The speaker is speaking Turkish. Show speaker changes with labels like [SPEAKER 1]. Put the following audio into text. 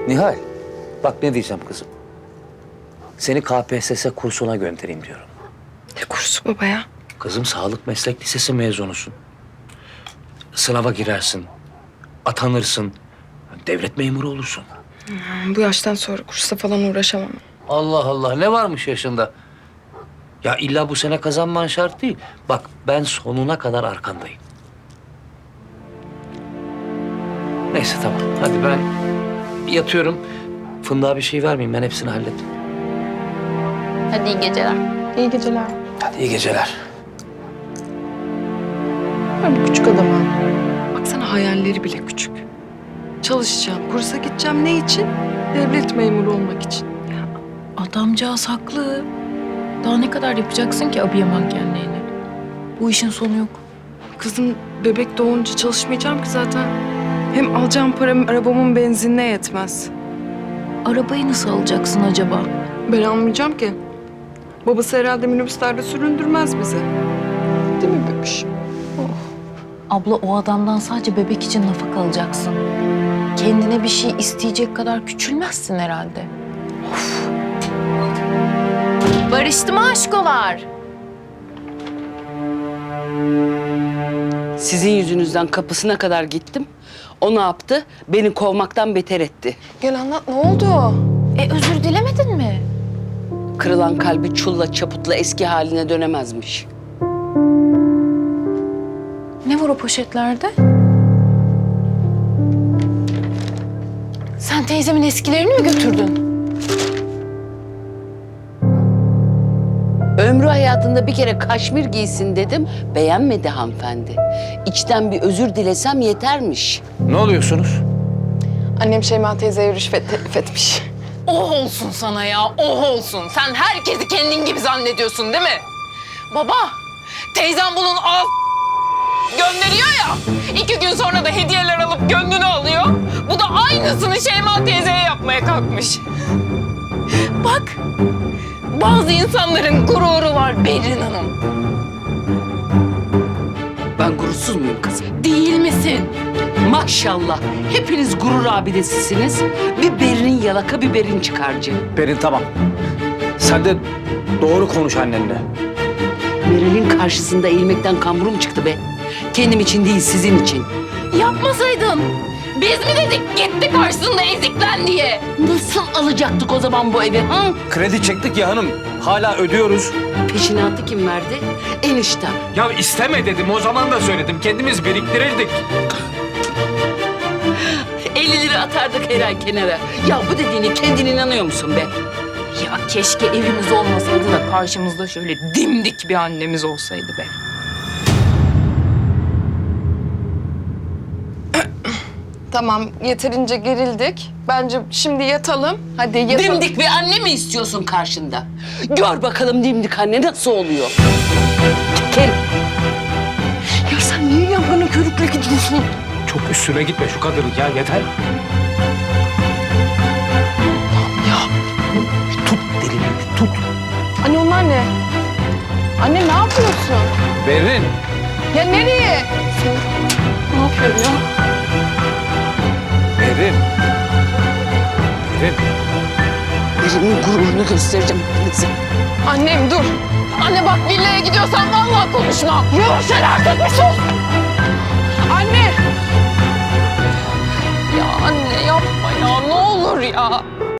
[SPEAKER 1] Nihal, bak ne diyeceğim kızım. Seni KPSS kursuna göndereyim diyorum.
[SPEAKER 2] Ne kursu baba ya?
[SPEAKER 1] Kızım sağlık meslek lisesi mezunusun. Sınava girersin, atanırsın, devlet memuru olursun.
[SPEAKER 2] Bu yaştan sonra kursa falan uğraşamam.
[SPEAKER 1] Allah Allah, ne varmış yaşında? Ya illa bu sene kazanman şart değil. Bak ben sonuna kadar arkandayım. Neyse tamam, hadi ben yatıyorum. Fındığa bir şey vermeyeyim, ben hepsini hallettim.
[SPEAKER 3] Hadi iyi geceler.
[SPEAKER 2] İyi geceler.
[SPEAKER 1] Hadi iyi geceler.
[SPEAKER 2] Ben bu küçük adama. Baksana hayalleri bile küçük. Çalışacağım, kursa gideceğim ne için? Devlet memuru olmak için.
[SPEAKER 3] Adamcağız haklı. Daha ne kadar yapacaksın ki abiye mankenliğini? Bu işin sonu yok.
[SPEAKER 2] Kızım bebek doğunca çalışmayacağım ki zaten. Hem alacağım param arabamın benzinine yetmez.
[SPEAKER 3] Arabayı nasıl alacaksın acaba?
[SPEAKER 2] Ben almayacağım ki. Babası herhalde minibüslerde süründürmez bizi. Değil mi bebiş?
[SPEAKER 3] Abla o adamdan sadece bebek için nafaka alacaksın. Kendine bir şey isteyecek kadar küçülmezsin herhalde. Of. Barıştı mı aşkolar?
[SPEAKER 4] Sizin yüzünüzden kapısına kadar gittim. O ne yaptı? Beni kovmaktan beter etti.
[SPEAKER 2] Gel anlat ne oldu?
[SPEAKER 3] Özür dilemedin mi?
[SPEAKER 4] Kırılan kalbi çulla çaputla eski haline dönemezmiş.
[SPEAKER 3] Ne var o poşetlerde? Sen teyzemin eskilerini mi götürdün?
[SPEAKER 4] Ömrü hayatında bir kere kaşmir giysin dedim. Beğenmedi hanımefendi. İçten bir özür dilesem yetermiş.
[SPEAKER 1] Ne oluyorsunuz?
[SPEAKER 2] Annem Şeyma teyzeye rüşvet teklif etmiş.
[SPEAKER 5] Oh olsun sana ya, oh olsun. Sen herkesi kendin gibi zannediyorsun değil mi? Baba, teyzem bunun gönderiyor ya. 2 gün sonra da hediyeler alıp gönlünü alıyor. Bu da aynısını Şeyma teyzeye yapmaya kalkmış. Bak, bazı insanların gururu var Berrin Hanım.
[SPEAKER 4] Ben gurursuz muyum kızım?
[SPEAKER 5] Değil misin?
[SPEAKER 4] Maşallah. Hepiniz gurur abidesisiniz. Bir Berin yalaka, bir Berin çıkarcı.
[SPEAKER 1] Berin tamam. Sen de doğru konuş annenle.
[SPEAKER 4] Meril'in karşısında eğilmekten kamburum çıktı be. Kendim için değil, sizin için.
[SPEAKER 5] Yapmasaydın. Biz mi dedik gitti karşısında eziklen diye?
[SPEAKER 4] Nasıl alacaktık o zaman bu evi? Hı?
[SPEAKER 1] Kredi çektik ya hanım. Hala ödüyoruz.
[SPEAKER 4] Peşinatı kim verdi? Eniştem.
[SPEAKER 1] Ya isteme dedim. O zaman da söyledim. Kendimiz biriktirirdik.
[SPEAKER 4] 50 lira atardık her ay kenara. Ya bu dediğine kendin inanıyor musun be?
[SPEAKER 5] Ya keşke evimiz olmasaydı da karşımızda şöyle dimdik bir annemiz olsaydı be.
[SPEAKER 2] Tamam yeterince gerildik. Bence şimdi yatalım. Hadi yatalım.
[SPEAKER 4] Dimdik bir anne mi istiyorsun karşında? Gör bakalım dimdik anne nasıl oluyor. Gel.
[SPEAKER 2] Ya sen niye yabanı körükle gidiyorsun?
[SPEAKER 1] Çok üstüne gitme şu kadını ya. Yeter.
[SPEAKER 2] Ya
[SPEAKER 1] Tut dilini bir tut.
[SPEAKER 2] anne onlar ne? Anne ne yapıyorsun?
[SPEAKER 1] Berin.
[SPEAKER 2] Ya nereye? Ne yapıyorsun ya?
[SPEAKER 1] Berin. Berin.
[SPEAKER 4] Birinin gururunu göstereceğim hepinize.
[SPEAKER 2] Annem dur.
[SPEAKER 5] Anne bak villaya gidiyorsan vallahi konuşma.
[SPEAKER 2] Ya sen artık bir sus. Anne.
[SPEAKER 5] Ya anne yapma ya ne olur ya.